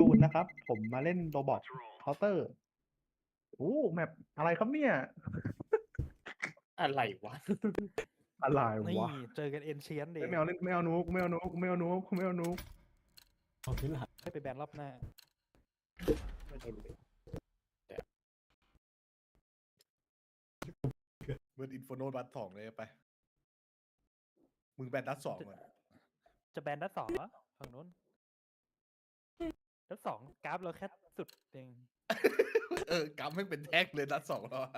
จูนนะครับ ผมมาเล่นโรบอทเคาน์เตอร์โอ้แมปอะไรครับเนี่ยอะไรวะอะไรนี่วะเจอกันเอ็นเชียนเดไม่เอาเล่นไม่เอานุกไม่เอานุกไม่เอานุกไม่เอานุกเอาที่หลังให้ไปแบนรอบหน้าไม่ได้เลยเบิร์ดอินโฟโนดัส2เลยไป มึงแบนดัส2อ่ะจะแบนดัดสองเหรอฝั่งนู้นดัดสองกราฟเราแค่สุดเองกำให้เป็นแท็กเลยดัส2แล้วอะ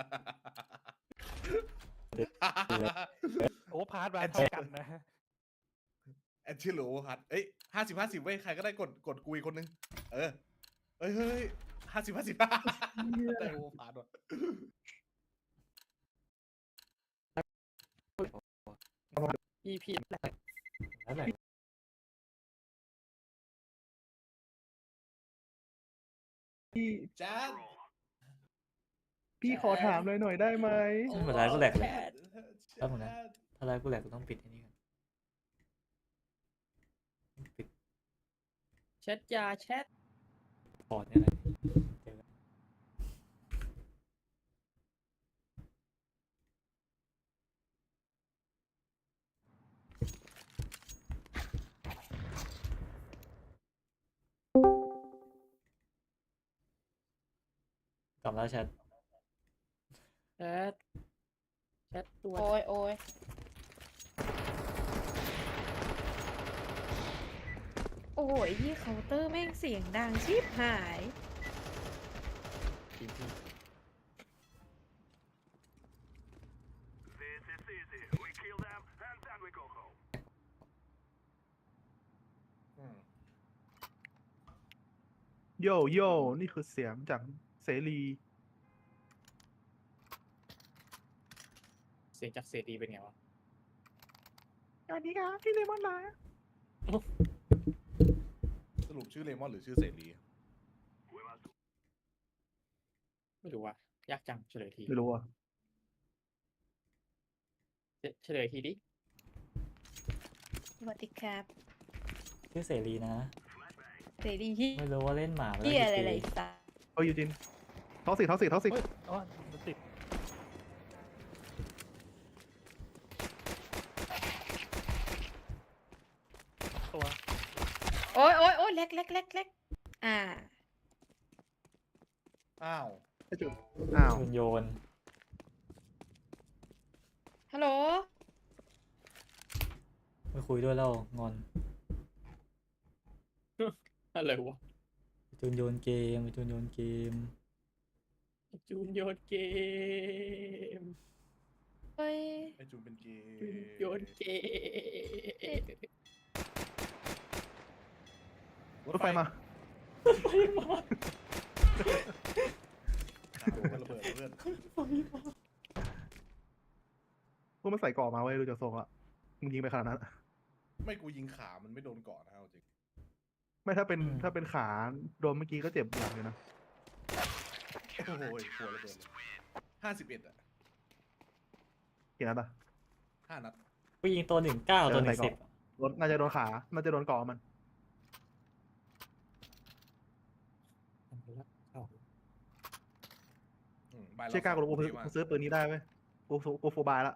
โอ้พาร์ทมาเท่ากันนะแอนชิโลฮัทเอ้ย50-50เว้ยใครก็ได้กดกูอีกคนนึง เฮ้ย50-50ได้โอพาร์ทว่ะพี่แล้วไหนพี่จ้าพี่ขอถามหน่อยได้ไหมไม่เป็นไรกูแหลกเลยแล้วผมนะถ้าไรกูแหลกกูต้องปิดไอ้นี่ก่อนปิดแชทยาแชทพอร์ตเนี่ยแหละเจอกันกลับแล้วแชทแชทแชทตัวโอ้ยโอ้ยโอ้ยยี่เคาน์เตอร์แม่งเสียงดังชิบหายทีมพี่อืมโย่โย่นี่คือเสียงจากเสรีเสียงจากเสรีเป็นไงวะสวัสดีครับพี่เลมอนนะสรุปชื่อเลมอนหรือชื่อเสรีไม่รู้ว่ะยากจังเฉลยทีไม่รู้อ่ะเฉลยทีดิสวัสดีครับชื่อเสรีนะเสรีที่ไม่รู้ว่าเล่นหมามาเฮีแล้วยอะไรกี่ไรปีสัสเอ้ยยูจินท็อกซิกท็อกซิกท็อกซิกเฮ้ยอ๋อมันติดตัวโอ้ยโอ้ยโอ้ยเล็กเล็กเล็กเล็กอ่าอ้าวไอ้จุดอ้าวโยนฮัลโหลไม่คุยด้วยแล้วงอนอะไรวะจูนโยนเกมจูนโยนเกมจูนโยนเกมเฮ้ยไอจูนเป็นเกย์จูนโยนเกมรถไฟมาระเบิดเพื่อนพวกมันใส่เกราะมาไว้ยดูจากทรงละมึงยิงไปขนาดนั้นอะไม่กูยิงขามันไม่โดนเกาะนะเอาจริงไม่ถ้าเป็นขาโดนเมื่อกี้ก็เจ็บอย่างเลยนะโอ้โหหัวระเบิดเลย51อ่ะกี่นัดอะ 5 นัดกูยิงตัว19ตัว10 รถน่าจะโดนขา น่าจะโดนเกาะมันบายเชื่อกล้ากูรู้กูซื้อปืนนี้ได้เว้ยกูโฟบายละ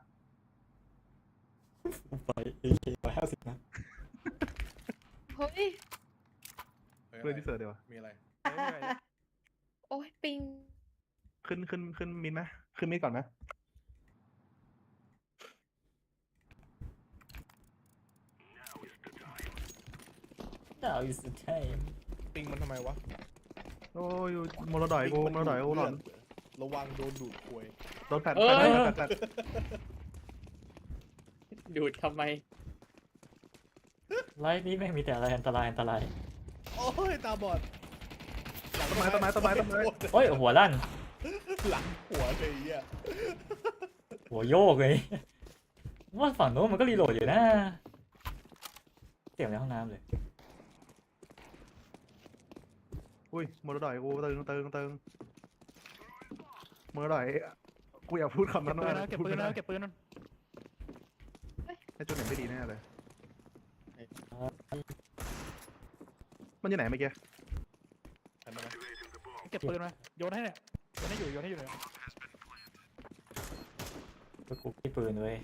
ไป AK 150นะเฮ้ยเรื่องที่เสิร์ชเดี๋ยววะมีอะไรโอ้ยปิงขึ้นมินไหมขึ้นมินก่อนไหมดาวอยู่สุดท้ายปิงมันทำไมวะโอ้ยมรดอยกูมรดอยกูหลอนระวังโดนดูดควยโดนแผดดูดทำไมไลฟ์นี้แม่งมีแต่อะไรอันตรายอันตรายโอ้ยตาบอดต้นไม้โอ้ยหัวลั่นหลังหัวเลยอ่ะหัวโยกเลยว่าฝั่งโน้นมันก็รีโหลดอยู่นะเสียงในห้องน้ำเลยอุ้ยมรดอยกูตึงมรดอยกูอยากพูดคำนั้นเก็บปืนนะเก็บปืนนะให้จุดไหนไม่ดีแน่เลยมันอยู่ไหนเมื่อกี้เก็บปืนมาโยนให้เนี่ยโยนให้อยู่เนี่ยก็กูที่ปืนเว้ย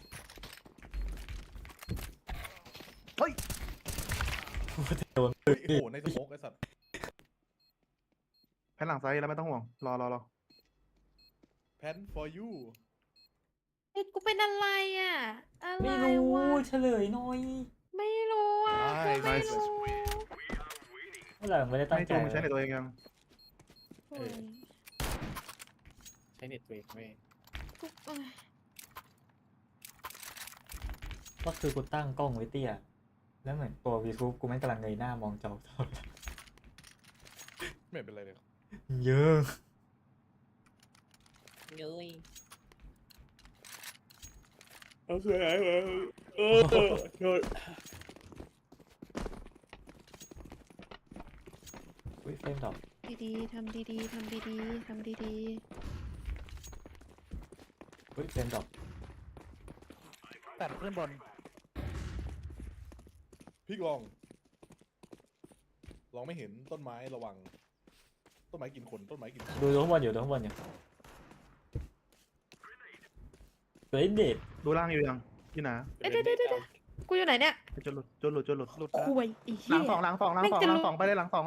เฮ้ยโดนเฮ้ยโอ้โหในสโมกไอ้สัตว์แผ่นหลังซ้ายแล้วไม่ต้องห่วงรอแพน for you เฮ้ยกูเป็นอะไรอ่ะ อะไรไม่รู้วะเฉลยหน่อยไม่รู้อ่ะกูไม่รู้เมื่อไหร่ไม่ได้ตั้งให้ใจจูมันใช้ในตัวเองยังโอ้ยใช้เน็ตตัวเองเว้ยกูเอ้ยก็คือกูตั้งกล้องไว้เตี้ยแล้วเหมือนตัววีทูบกูแม่งกำลังเงยหน้ามองจอตลอดไม่เป็นไรเลยเยอะเงยโอเคโดนอุ้ยเฟรมดรอปดีๆทำดีๆทำดีๆทำดีอุ้ยเฟรมดรอปแต่ขึ้นบนพี่ลองไม่เห็นต้นไม้ระวัง ต้นไม้กินคนต้นไม้กินคนดูข้างบนอยู่เฮ้ยเด็ดดูล่างอยู่ยังพี่หนาๆเดี๋ยวกูอยู่ไหนเนี่ยจนหลุดหลุดแล้วคุยไอ้หเหี้ลัยงสองไปเลยหลังสอง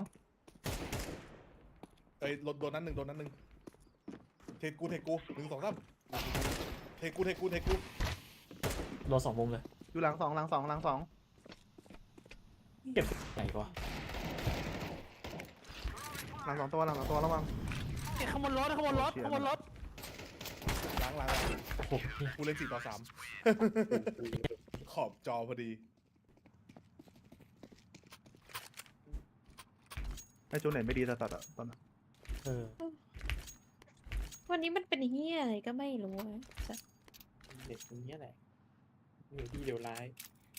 เอ้ยโดนนั้นหนึ่งเทกู1 2 3เทกูรอสองมุมเลยอยู่หลังสองเก็บไหนกว่าหลังสองตัวระวังเอ้ยขโมยรถล้างโอ้โหกูเล่น4 ต่อ 3 ขอบจอพอดีให้จูเน็ตไม่ดีตัดอ่ะตอนนั้นเออวันนี้มันเป็นเหี้ยอะไรก็ไม่รู้อะสัสเน็ตตรงนี้แหละเดี๋ยวดีเดี๋ยวร้าย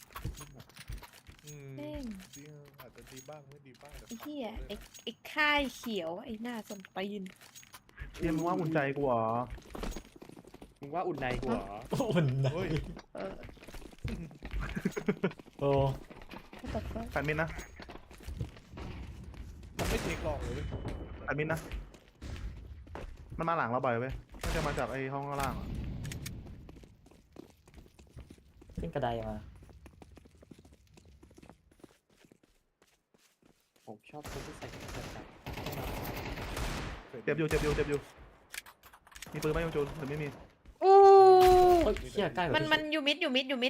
แม่งดีอาจจะดีบ้างไม่ดีบ้างแต่ไอ้เหี้ยไอ้ค่ายเขียวไอ้หน้าสมตีนเรียนมึงว่าอุ่นใจกูเหรอมึงว่าอุ่นในกูเหรออุ่นนะเฮ้ยเออโอ้ what the fuck แฟนมินนะมันไม่เทคลองเลยเว้ยแฟนมินนะมันมาหลังเราบ่อยเว้ยมันจะมาจากไอ้ห้องข้างล่างอะขึ้นกระไดมาผมชอบคนที่ใส่กระจับเจ็บอยู่มีปืนไหมยังจูนหรือไม่มีอู้เฮ้ยเชี่ยใกล้กว่ามันอยู่มิด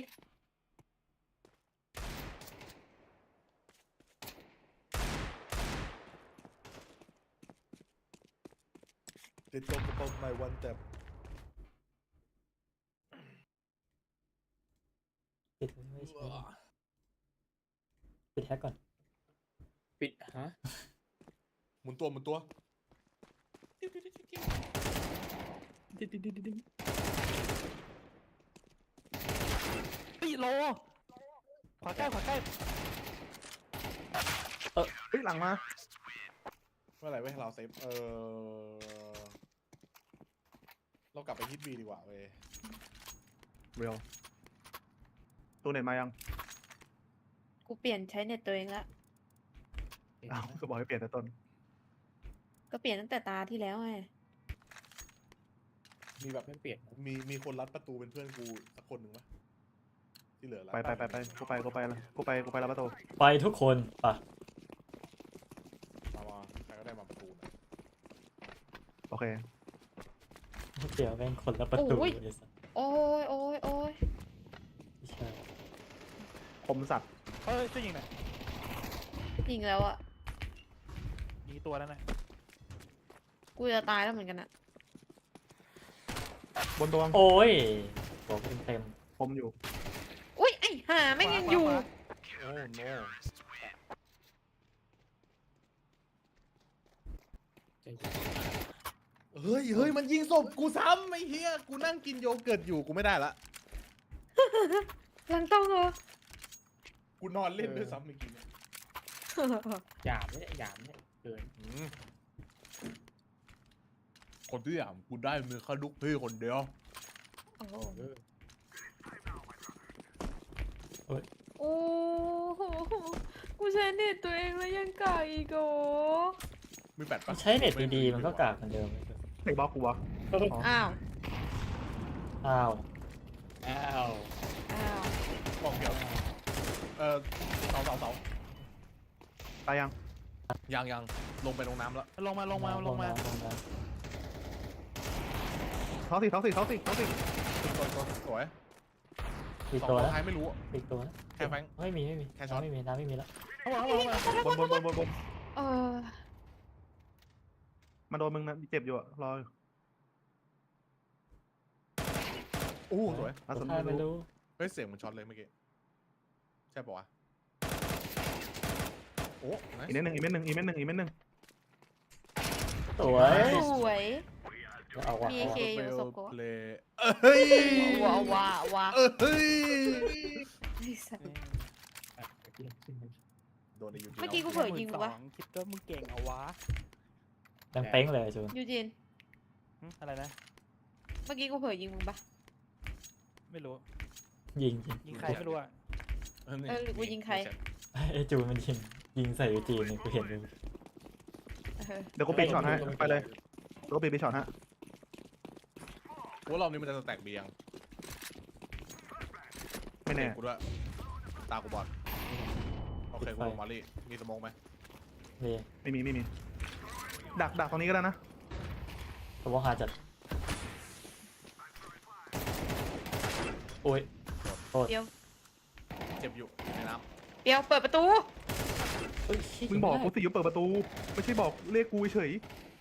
จะจบกระเป๋าในวันแต่ปิดไม่ใช่ปิดแฮกก่อนปิดฮะหมุนตัวเฮ้ยโลขวาใกล้เฮ้ยหลังมาเมื่อไหร่เว้ยเราเซฟเรากลับไปฮิตบีดีกว่าเว้ยเรียวตัวเน็ตมายังกูเปลี่ยนใช้เน็ตตัวเองละอ้าวก็บอกให้เปลี่ยนแต่ต้นก็เปลี่ยนตั้งแต่ตาที่แล้วไงมีแบบไม่เปลี่ยนมีคนรัดประตูเป็นเพื่อนกูสักคนหนึ่งปะที่เหลือรัดไปกูไปรับประตูไปทุกคนป่ะมาใครก็ได้มาประตูหน่อยโอเคเดี๋ยวแม่งคนละประตูไอ้สัสโอ้ยไม่ใช่คมสัตว์เฮ้ยช่วยยิงหน่อยยิงแล้วอะยิงตัวนั้นน่ะกูจะตายแล้วเหมือนกันอะบนตัวโอ้ยบอกเต็มคมอยู่อุ้ยไอ้ห่าแม่งยังอยู่ขวาโอ้โนใจเย็นเฮ้ยมันยิงศพกูซ้ำไอ้เหี้ยกูนั่งกินโยเกิร์ตอยู่กูไม่ได้ละหลังต้องเหรอกูนอนเล่นด้วยซ้ำเมื่อกี้เนี่ยหยามเนี่ยเกินคนที่อย่างกูได้มือแค่ลูกพี่คนเดียวโอ้โหเออโอ้โหกูใช้เน็ตตัวเองแล้วยังกากอีกโอมีแปดปะใช้เน็ตดีๆมันก็กากเหมือนเดิมเลยไอ้บล็อกกูวะอ้าวอ้าวอ้าวอ้าวบอกเดียวเสาตายยังยังลงไปลงน้ำแล้วลงมาท้องสิท้องสิท้องสิท้องสิสวยอีกสองตัวตัวแล้วท้ายไม่รู้อะอีกตัวแล้วแค่แฟงไม่มีแค่ช็อตน้ำไม่มีน้ำไม่มีแล้วเข้ามาบนเออมันโดนมึงนะเจ็บอยู่อะรออยู่อู้สวยอาสนใช่ไม่รู้เฮ้ยเสียงมันช็อตเลยเมื่อกี้ใช่ปะวะโอ้อีกเม็ดหนึ่งอีกเม็ดหนึ่งอีกเม็ดหนึ่งอีกเม็ดหนึ่งสวยสวยเอาว่ะมีเอา AK ว่ะอยู่ศพกูเพลเฮ้ยว้าเฮ้ยไอ้สัสโดนในยูทูบเมื่อกี้กูเผลอยิงมึงปะคิดว่ามึงเก่งเอาวะดังเป้งเลยจูนยูจินอะไรนะเมื่อกี้กูเผลอยิงมึงปะไม่รู้ยิงยิงใครไม่รู้อ่ะหรือกูยิงใครไอ้จูนมันยิงใส่ยูจีนเนี่ยกูเห็นเลยเออเดี๋ยวกูปิดช็อตให้ไปเลยเดี๋ยวกูปิดช็อตฮะว่ารอบนี้มันจะสแต็กเบียงไม่แน่กูด้วยตากูบอดโอเคกูลงมาลี่มีสมองไหมนี่ไม่มีดักตรงนี้ก็ได้นะตัวหาจัดโอ้ยโทษเปียวเจ็บอยู่ในน้เปียวเปิดประตูเอ้ยมึงบอกกูสิยุบเปิดประตูไม่ใช่บอกเรียกกูเฉย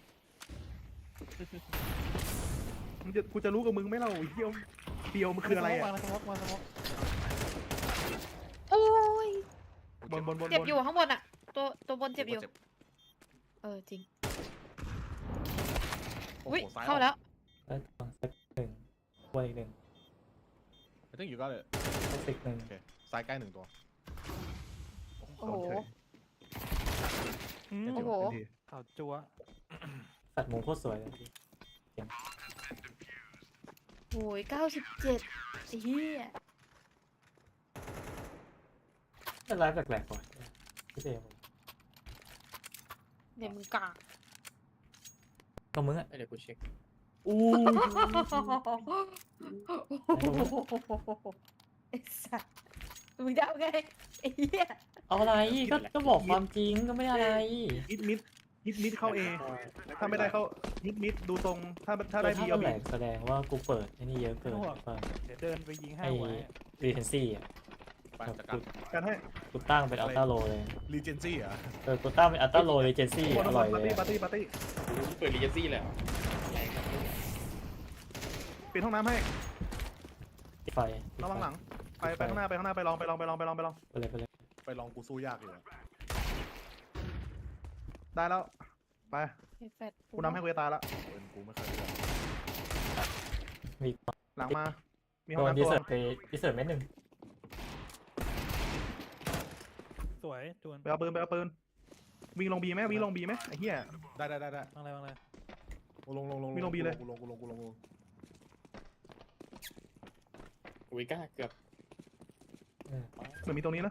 กูจะรู้กับมึงไหมเราเดียวมันคืออะไรอะมาสมกโอ้ยำบนเจ็บอยู่ข้างบนอะตัวบนเจ็บอยู่ เออจริงโอ้อุ้ยโหซ้ายเข้าแล้วแล้วลองสักหนึ่งวนอีกหนึ่งไอ้ตึ้งอยู่ก็เลยสักสิกหนึ่งโอเคซ้ายใกล้หนึ่งตัวโอ้โหโดนเฉยโอ้โหทันทีข่าวจัวสัตว์มุมโคตรสวยเลยโอ้ย97ไอ้เหี้ยเป็นไลฟ์แปลกๆก่อนพี่เจมส์เนี่ยมึงกากก็มึงอ่ะเดี๋ยวกูเช็คอู้ไอ้สัสมึงจะเอาไงไอ้เหี้ยเอาอะไรก็บอกความจริงก็ไม่อะไรมิดเข้าเอถ้าไม่ได้เข้ามิดดูตรงถ้าได้ถ้าบีมัเอานแหบีลกแสดงว่ากูเปิดไอ้นี่เยอะเกินเปิดเดี๋ยวเดินไปยิงให้ไอ้ไว้รีเทนซี่อ่ะไปจัดการกันให้กูตั้งเป็นอัลต้าโลเลยรีเจนซี่อ่ะกูตั้งเป็นอัลต้าโลรีเจนซี่บนอร่อยปาร์เลตี้ยปาร์ตี้ปาร์ตี้เปิดรีเจนซี่เลยแรงครับปิดห้องน้ำให้ไฟระวังหลังไปข้างหน้าไปลองไปเลยไปลองกูสู้ยากอยู่อะได้แล้วไปไอ้แฟดกูนำให้กูจะตายละเป็นกูไม่เคยเลือกมีหลังมามีห้โดองนน้ำดีตัวเซิร์ตไปดีเซิร์ตเม็ดหนึ่งสวยจวนไปเอาปืนวิ่งลงบีไหมไอ้เหี้ยได้วางเลยลงมีลงบีเลยกูลงอุ้ยกล้าเกือบเหมือนมีตรงนี้นะ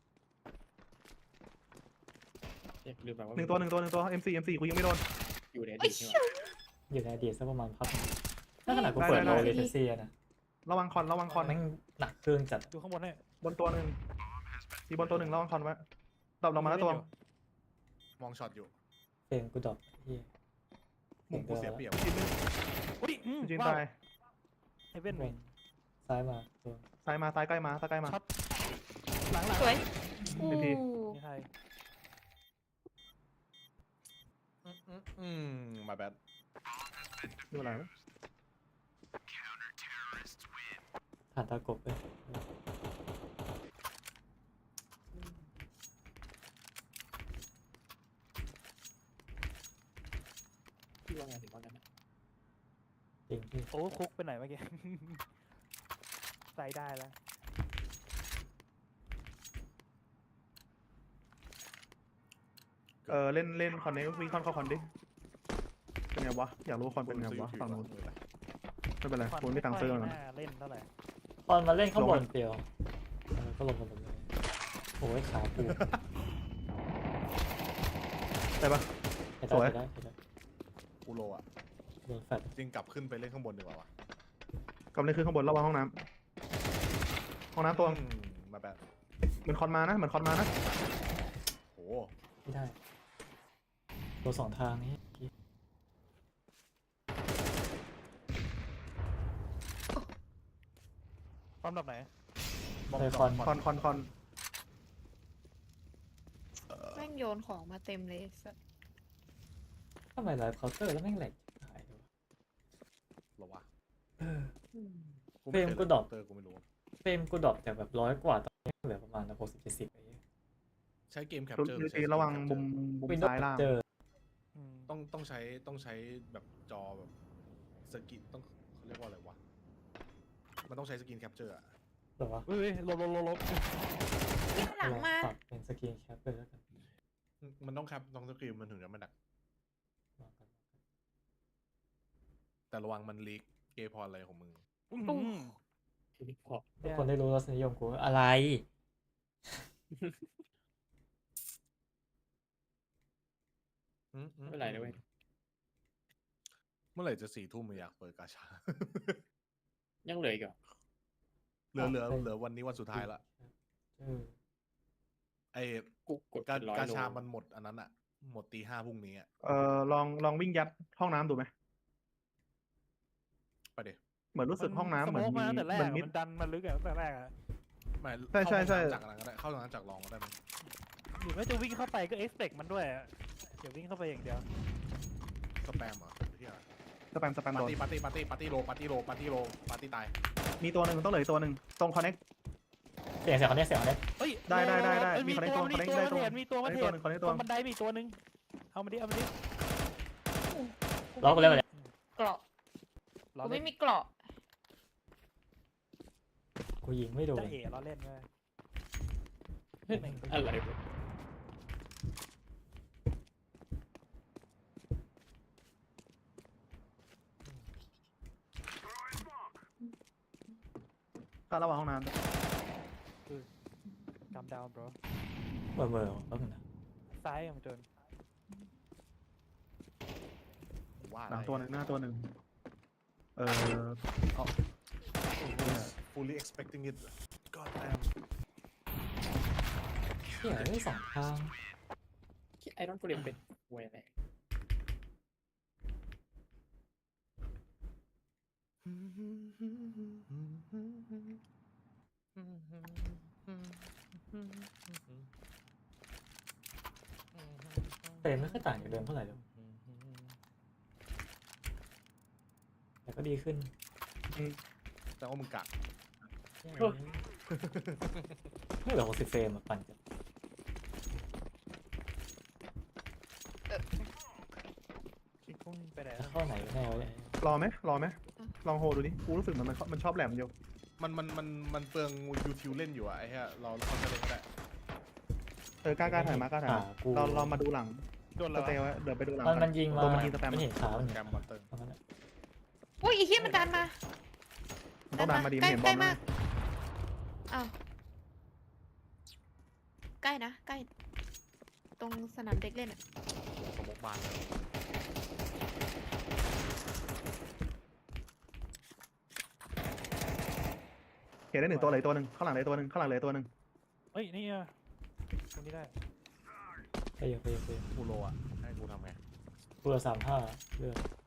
ลืมไปว่าหนึ่งตัว MC กูยังไม่โดนอยู่ในอไอ้ดีตใช่เหี้ยไหมอยู่ในอดีตสักประมาณพักถ้าขนาดกูเปิดโลรีเทนซี่นะระวังคอนแม่งหนักเครื่องจัดดูข้างบนให้บนตัวหนึ่งมีบนตัวหนึ่งระวังคอนไว้ตบลงมาแล้วตัวมองช็อตอยู่เพลงกูดรอปเฮียมุมกูเสียเปรียบอุ้ยจีนว้าวตายเฮเว่นซ้ายมาตัวซ้ายมาซ้ายใกล้มาช็อตหลังสวยอู้เป็นทีนี่ใครมาแบดดูอะไรวะผ่านตากบไปพี่ว่าไงถึงว่ากันนะจริงที่โอ้คุกไปไหนเมื่อกี้ใส่ได้แล้วเล่นคอนนี้วิ่งคอนเข้าคอนดิเป็นไงวะอยากรู้คอนเป็นไงวะฝั่งนู้นไม่เป็นไรกูไม่ตังค์ซื้อไม่มันน่าเล่นเท่าไหร่ตอนมาเล่นข้างบนเปียวก็ลงกันหมดเลยโอ้ยขาปูได้ปะใช้สวยได้ใช้ได้กูโลอ่ะโดนแฟดจริงกลับขึ้นไปเล่นข้างบนดีกว่าวะกำลังขึ้นข้างบนระวังห้องน้ำห้องน้ำตัวมาแบบเหมือนคอนมานะเหมือนคอนมานะโหไม่ได้ตัวสองทางนี้ความดับไหนเลยคอนคอนแม่งโยนของมาเต็มเลยสัสทำไมไลฟ์เคาน์เตอร์แล้วแม่งแหลกหายเลยวะเหรอวะอืมเฟรมกูดรอปเตอร์กูไม่รู้เฟรมกูดรอปจากแบบ100 กว่าตอนนี้เหลือประมาณ60-70อะไรเงี้ยใช้เกมแคปดูเจอร์ดีระวังมุมซ้ายล่างเจอต้องใช้แบบจอแบบสกินต้องเขาเรียกว่าอะไรวะมันต้องใช้สกินแคปเจอร์อะหรอวะเฮ้ยลบหลังมาปรับเป็นสกรีนแคปเลยแล้วกันมันต้องแคปต้องสกรีนมันถึงจะมันดักวางกันแต่ระวังมันลีกเกย์พออะไรของมึงทีนี้พอทุกคนได้รู้รสนิยมกูอะไรไม่เป็นไรนะเว้ยเมื่อไหร่จะ4 ทุ่มอยากเปิดกาชายังเหลืออีกเหรอเหลือวันนี้วันสุดท้ายละเออไอ้กูกดกาเป็นร้อยกาโลชามันหมดอันนั้นอะหมดตี 5พรุ่งนี้อะลองวิ่งยัดห้องน้ำดูไหมไปเดี๋ยวเหมือนรู้สึกห้องน้ำเหมือนสโคมีมาตั้งแต่แรเหมืกอนมิดมันดันมันลึกอะตั้งแต่แรกอะไม่ใช่เข้าใช่ห้องน้ำจากอะไรก็ได้เข้าห้องน้ำจากรองก็ได้มั้งหรือไม่จะวิ่งเข้าไปก็เอ็กซ์เพกมันด้วยอะอย่าวิ่งเข้าไปอย่างเดียวสแปมเหรอที่อะไรสแปมปาโดร์นตี้ปาร์ตี้ปาร์ตี้ปาร์ตี้โลปาร์ตี้โลปาร์ตี้โลปาร์ตี้ตายมีตัวหนึ่งต้องเหลืออกตัวหนึ่งตรงคอนเน็กเสียงคนนี้เสียงคนนี้เฮ้ยได้เอ้ยมีคนให้ตัวมีคนให้ตัวได้มาตัวเทรดมีตัวมาเทรดคนให้ตตัรวงบันไดมีตัวหนึงเอามาดิล็อกกูเลยเกราะล้อกูเล่ไม่นมีเกราะกูยิงไม่โดนจะเอ๋ล้อเล่นเว้ยเฮ้ยอะไรวะก็ระวังห้องน้ำกำดาวน์ bro เบอร์แป๊บนึงนะซ้ายมันโดนว่าหลังตัวหนึ่งหน้าตัวหนึ่ง fully expecting it god damn เสียงไม่สองทางไอรอนโกเลมเป็นเวยอะไรเฟรมไม่ค่อยต่างจากเดิมเท่าไหร่เลยแต่ก็ดีขึ้นแต่ว่ามึงกักไม่เหลือ60 เฟรมอะปั่นกันคิดกุ้งไปไหนเข้าไหนกันแน่วะเนี่ยรอไหมลองโฮดูดิกูรู้สึกมันชอบแหลมเดียวมันเปลืองยูทิวเล่นอยู่อะไอ้เหี้ยเราเข้าใจเล่นก็ได้กล้าถ่ายมาเรามาดูหลังโดนสแล้วเตย์ไว้เดี๋ยวไปดูหลังมันยิงมาตัวมันยิงสแปมไม่เห็นขามันแกมมอนเตอร์ตรงนั้นอะอุ้ยไอ้เหี้ยมันดันมาต้องดันมาดีใกล้เห็นบใกอล้ลมากอ้าวใกล้นะใกล้ ตรงสนามเด็กเล่นอะสมกบานเห็นได้1 ตัวเลยตัวหนึ่งข้างหลังเลยตัวหนึ่งข้างหลังเลยตัวหนึ่งเฮ้ยนี่อะตรงนี้ได้ไปเยอะกูโลอะให้กูทำไงกูเหลือ35เลือด